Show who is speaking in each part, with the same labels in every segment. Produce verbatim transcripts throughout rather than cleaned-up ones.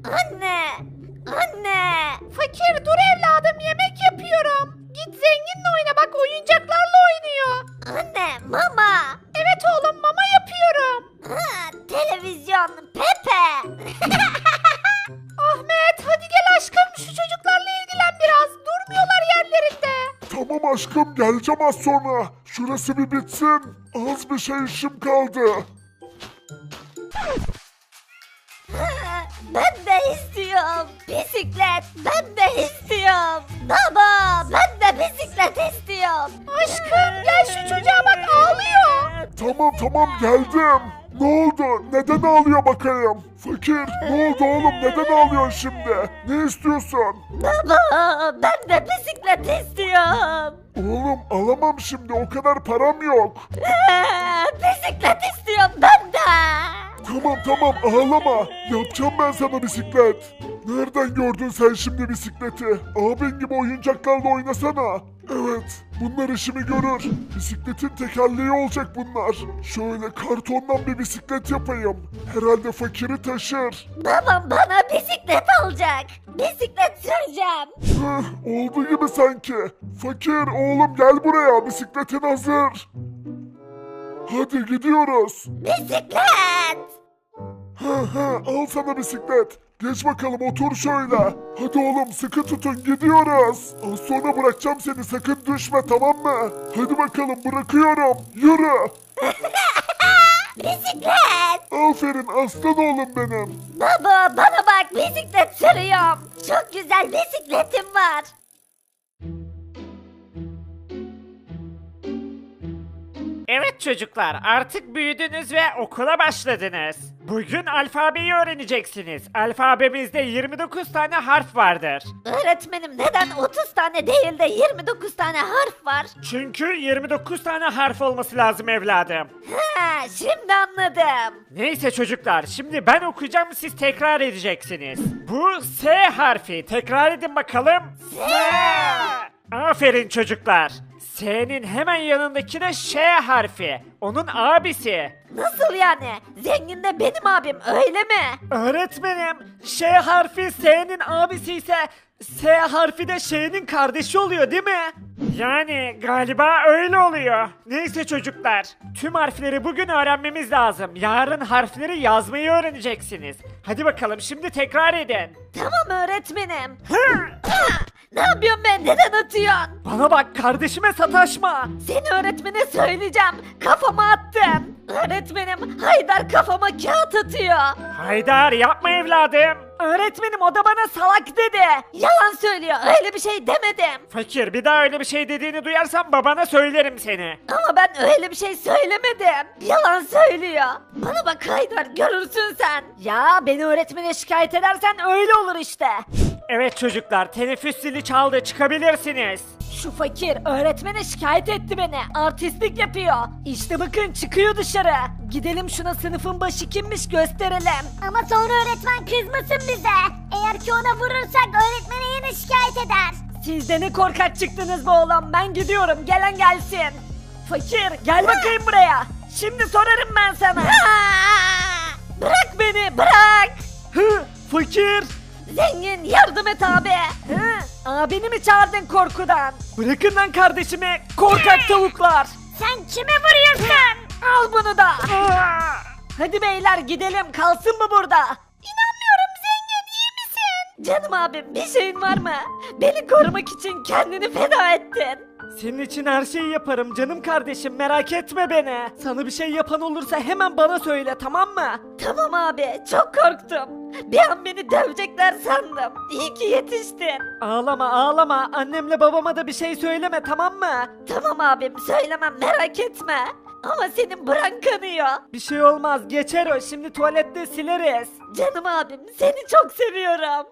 Speaker 1: Anne! Anne! Fakir dur evladım yemek yapıyorum. Git zenginle oyna bak oyuncaklarla oynuyor. Anne mama. Evet oğlum mama yapıyorum. Ha, televizyon Pepe. Ahmet hadi gel aşkım şu çocuklarla ilgilen biraz. Durmuyorlar yerlerinde.
Speaker 2: Tamam aşkım geleceğim az sonra. Şurası bir bitsin. Az bir şey işim kaldı.
Speaker 1: Ben de istiyorum. Bisiklet ben de istiyorum. Baba ben de bisiklet istiyorum. Aşkım gel şu çocuğa bak ağlıyor.
Speaker 2: Tamam tamam geldim. Ne oldu? Neden ağlıyor bakayım? Fakir ne oldu oğlum? Neden ağlıyorsun şimdi? Ne istiyorsun?
Speaker 1: Baba ben de bisiklet istiyorum.
Speaker 2: Oğlum alamam şimdi o kadar param yok.
Speaker 1: Bisiklet istiyorum ben de.
Speaker 2: Tamam tamam ağlama. Yapacağım ben sana bisiklet. Nereden gördün sen şimdi bisikleti? Abin gibi oyuncaklarla oynasana. Evet, bunlar işimi görür. Bisikletin tekerleği olacak bunlar. Şöyle kartondan bir bisiklet yapayım. Herhalde fakiri taşır.
Speaker 1: Babam bana bisiklet alacak. Bisiklet süreceğim.
Speaker 2: Hıh, oldu gibi sanki. Fakir oğlum gel buraya, bisikletin hazır. Hadi gidiyoruz.
Speaker 1: Bisiklet.
Speaker 2: Hı hı, al sana bisiklet. Geç bakalım otur şöyle. Hadi oğlum sıkı tutun gidiyoruz. Az sonra bırakacağım seni sakın düşme tamam mı? Hadi bakalım bırakıyorum. Yürü.
Speaker 1: Bisiklet.
Speaker 2: Aferin aslan oğlum benim.
Speaker 1: Baba bana bak bisiklet sürüyorum. Çok güzel bisikletim var.
Speaker 3: Evet çocuklar, artık büyüdünüz ve okula başladınız. Bugün alfabeyi öğreneceksiniz. Alfabemizde yirmi dokuz tane harf vardır.
Speaker 1: Öğretmenim neden otuz tane değil de yirmi dokuz tane harf var?
Speaker 3: Çünkü yirmi dokuz tane harf olması lazım evladım.
Speaker 1: Ha, şimdi anladım.
Speaker 3: Neyse çocuklar, şimdi ben okuyacağım, siz tekrar edeceksiniz. Bu S harfi, tekrar edin bakalım. S! Aferin çocuklar. S'nin hemen yanındaki de Ş harfi. Onun abisi.
Speaker 1: Nasıl yani? Zengin de benim abim öyle mi?
Speaker 3: Öğretmenim, Ş harfi S'nin abisi ise S harfi de Ş'nin kardeşi oluyor değil mi? Yani galiba öyle oluyor. Neyse çocuklar, tüm harfleri bugün öğrenmemiz lazım. Yarın harfleri yazmayı öğreneceksiniz. Hadi bakalım şimdi tekrar edin.
Speaker 1: Tamam öğretmenim.
Speaker 3: Hı!
Speaker 1: Ne yapıyorsun ben? Neden atıyorsun?
Speaker 3: Bana bak, kardeşime sataşma.
Speaker 1: Seni öğretmene söyleyeceğim. Kafama attın. Öğretmenim Haydar kafama kağıt atıyor.
Speaker 3: Haydar yapma evladım.
Speaker 1: Öğretmenim o da bana salak dedi. Yalan söylüyor. Öyle bir şey demedim.
Speaker 3: Fakir, bir daha öyle bir şey dediğini duyarsam babana söylerim seni.
Speaker 1: Ama ben öyle bir şey söylemedim. Yalan söylüyor. Bana bak Haydar görürsün sen. Ya beni öğretmene şikayet edersen öyle olur işte.
Speaker 3: Evet çocuklar, teneffüs zili çaldı, çıkabilirsiniz.
Speaker 1: Şu fakir öğretmene şikayet etti beni. Artistlik yapıyor. İşte bakın çıkıyor dışarı. Gidelim şuna sınıfın başı kimmiş gösterelim.
Speaker 4: Ama sonra öğretmen kızmasın bize. Eğer ki ona vurursak öğretmene yine şikayet eder.
Speaker 1: Siz de ne korkak çıktınız be oğlum. Ben gidiyorum. Gelen gelsin. Fakir gel bakayım buraya. Şimdi sorarım ben sana. Bırak beni bırak.
Speaker 3: Hı, fakir.
Speaker 1: Zengin yardım et abi. Hı, abini mi çağırdın korkudan?
Speaker 3: Bırakın lan kardeşimi, korkak tavuklar.
Speaker 4: Sen kime vuruyorsun?
Speaker 1: Al bunu da.
Speaker 3: Aa!
Speaker 1: Hadi beyler gidelim kalsın mı burada? İnanmıyorum zengin iyi misin? Canım abim bir şeyin var mı? Beni korumak için kendini feda ettin.
Speaker 3: Senin için her şeyi yaparım canım kardeşim, merak etme beni. Sana bir şey yapan olursa hemen bana söyle, tamam mı?
Speaker 1: Tamam abi çok korktum. Bir an beni dövecekler sandım. İyi ki yetiştin.
Speaker 3: Ağlama ağlama, annemle babama da bir şey söyleme, tamam mı?
Speaker 1: Tamam abim söylemem merak etme. Ama senin buran kanıyor.
Speaker 3: Bir şey olmaz, geçer o, şimdi tuvalette sileriz.
Speaker 1: Canım abim seni çok seviyorum.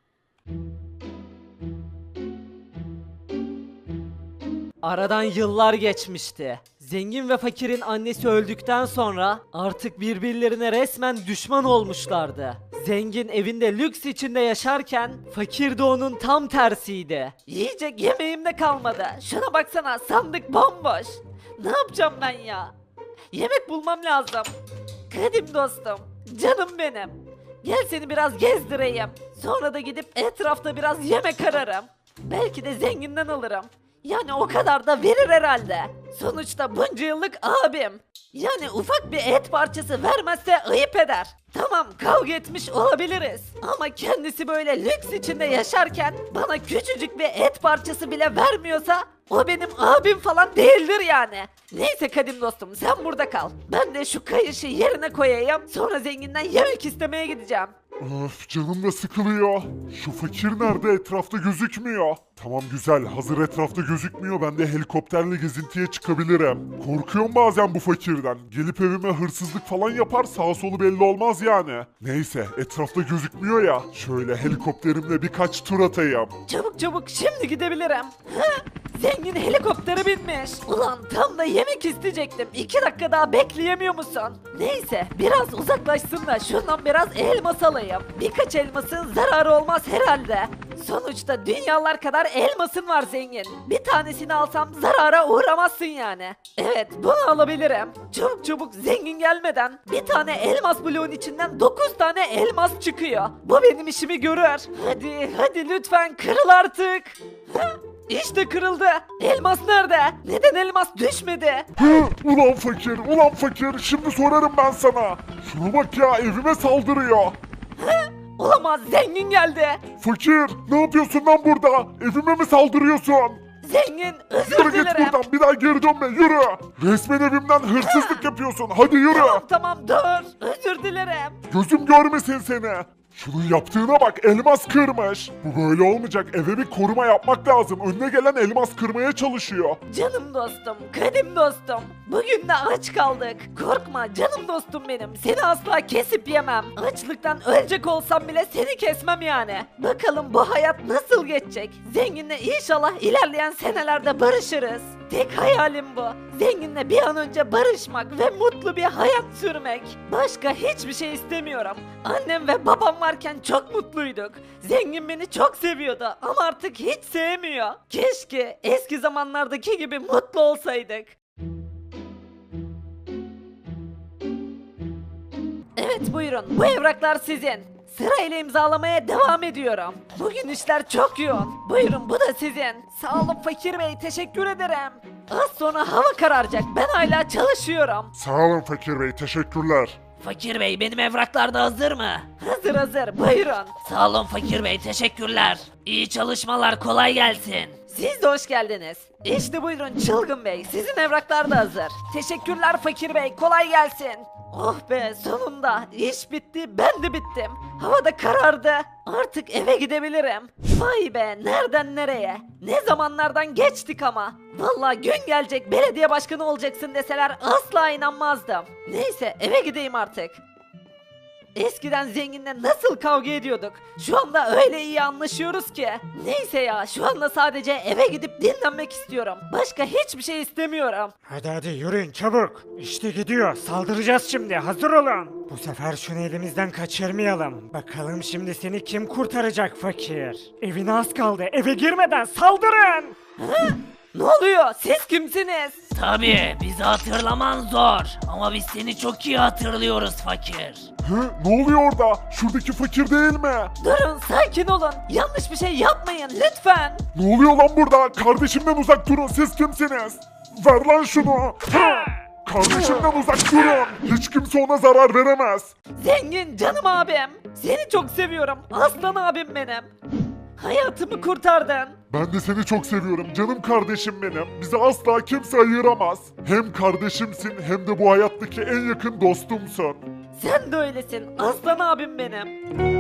Speaker 3: Aradan yıllar geçmişti. Zengin ve fakirin annesi öldükten sonra artık birbirlerine resmen düşman olmuşlardı. Zengin evinde lüks içinde yaşarken fakir de onun tam tersiydi.
Speaker 1: Yiyecek yemeğim de kalmadı. Şuna baksana sandık bomboş. Ne yapacağım ben ya? Yemek bulmam lazım. Kadim dostum, canım benim.
Speaker 3: Gel seni biraz gezdireyim. Sonra da gidip etrafta biraz yemek ararım. Belki de zenginden alırım. Yani o kadar da verir herhalde. Sonuçta bunca yıllık abim. Yani ufak bir et parçası vermezse ayıp eder. Tamam kavga etmiş olabiliriz. Ama kendisi böyle lüks içinde yaşarken bana küçücük bir et parçası bile vermiyorsa o benim abim falan değildir yani. Neyse kadim dostum sen burada kal. Ben de şu kayışı yerine koyayım. Sonra zenginden yemek istemeye gideceğim.
Speaker 2: Öf canım da sıkılıyor. Şu fakir nerede etrafta gözükmüyor. Tamam güzel hazır etrafta gözükmüyor ben de helikopterle gezintiye çıkabilirim. Korkuyorum bazen bu fakirden. Gelip evime hırsızlık falan yapar sağa solu belli olmaz yani. Neyse etrafta gözükmüyor ya. Şöyle helikopterimle birkaç tur atayım.
Speaker 3: Çabuk çabuk şimdi gidebilirim. Hı? Zengin helikoptere binmiş. Ulan tam da yemek isteyecektim. İki dakika daha bekleyemiyor musun? Neyse biraz uzaklaşsın da şundan biraz elmas alayım. Birkaç elmasın zararı olmaz herhalde. Sonuçta dünyalar kadar elmasın var zengin. Bir tanesini alsam zarara uğramazsın yani. Evet bunu alabilirim. Çabuk çabuk zengin gelmeden bir tane elmas bloğun içinden dokuz tane elmas çıkıyor. Bu benim işimi görür. Hadi hadi lütfen kırıl artık. Hı? İşte kırıldı. Elmas nerede? Neden elmas düşmedi?
Speaker 2: Hı, ulan fakir ulan fakir şimdi sorarım ben sana. Şuna bak ya evime saldırıyor.
Speaker 3: Olamaz zengin geldi.
Speaker 2: Fakir ne yapıyorsun lan burada? Evime mi saldırıyorsun?
Speaker 3: Zengin özür
Speaker 2: Yürü git
Speaker 3: dilerim.
Speaker 2: buradan bir daha geri dönme yürü. Resmen evimden hırsızlık yapıyorsun hadi yürü.
Speaker 3: Tamam tamam dur. Özür dilerim.
Speaker 2: Gözüm görmesin seni. Şunun yaptığına bak elmas kırmış. Bu böyle olmayacak eve bir koruma yapmak lazım. Önüne gelen elmas kırmaya çalışıyor.
Speaker 3: Canım dostum, kadim dostum. Bugün de aç kaldık. Korkma canım dostum benim. Seni asla kesip yemem. Açlıktan ölecek olsam bile seni kesmem yani. Bakalım bu hayat nasıl geçecek? Zenginle inşallah ilerleyen senelerde barışırız. Tek hayalim bu. Zenginle bir an önce barışmak ve mutlu bir hayat sürmek. Başka hiçbir şey istemiyorum. Annem ve babam varken çok mutluyduk. Zengin beni çok seviyordu ama artık hiç sevmiyor. Keşke eski zamanlardaki gibi mutlu olsaydık. Evet buyurun bu evraklar sizin. Sırayla imzalamaya devam ediyorum. Bugün işler çok yoğun. Buyurun bu da sizin. Sağ olun fakir bey teşekkür ederim. Az sonra hava kararacak ben hala çalışıyorum.
Speaker 2: Sağ olun fakir bey teşekkürler.
Speaker 5: Fakir Bey benim evraklar da hazır mı?
Speaker 3: Hazır hazır buyurun.
Speaker 5: Sağ olun Fakir Bey teşekkürler. İyi çalışmalar kolay gelsin.
Speaker 3: Siz de hoş geldiniz. İşte buyurun Çılgın Bey sizin evraklar da hazır. Teşekkürler fakir bey kolay gelsin. Oh be sonunda iş bitti ben de bittim. Hava da karardı. Artık eve gidebilirim. Vay be nereden nereye? Ne zamanlardan geçtik ama. Vallahi gün gelecek belediye başkanı olacaksın deseler asla inanmazdım. Neyse eve gideyim artık. Eskiden zenginle nasıl kavga ediyorduk? Şu anda öyle iyi anlaşıyoruz ki. Neyse ya şu anda sadece eve gidip dinlenmek istiyorum. Başka hiçbir şey istemiyorum.
Speaker 6: Hadi hadi yürüyün çabuk. İşte gidiyor. Saldıracağız şimdi. Hazır olun. Bu sefer şunu elimizden kaçırmayalım. Bakalım şimdi seni kim kurtaracak fakir? Evine az kaldı. Eve girmeden saldırın.
Speaker 3: Ne oluyor? Siz kimsiniz?
Speaker 5: Tabii bizi hatırlaman zor ama biz seni çok iyi hatırlıyoruz fakir.
Speaker 2: Hı, ne oluyor orada? Şuradaki fakir değil mi?
Speaker 3: Durun sakin olun. Yanlış bir şey yapmayın lütfen.
Speaker 2: Ne oluyor lan burada? Kardeşimden uzak durun siz kimsiniz? Ver lan şunu. Hı! Kardeşimden uzak durun. Hiç kimse ona zarar veremez.
Speaker 3: Zengin canım abim. Seni çok seviyorum. Aslan abim benim. Hayatımı kurtardın.
Speaker 2: Ben de seni çok seviyorum canım kardeşim benim. Bizi asla kimse ayıramaz. Hem kardeşimsin hem de bu hayattaki en yakın dostumsun.
Speaker 3: Sen de öylesin. Aslan abim benim.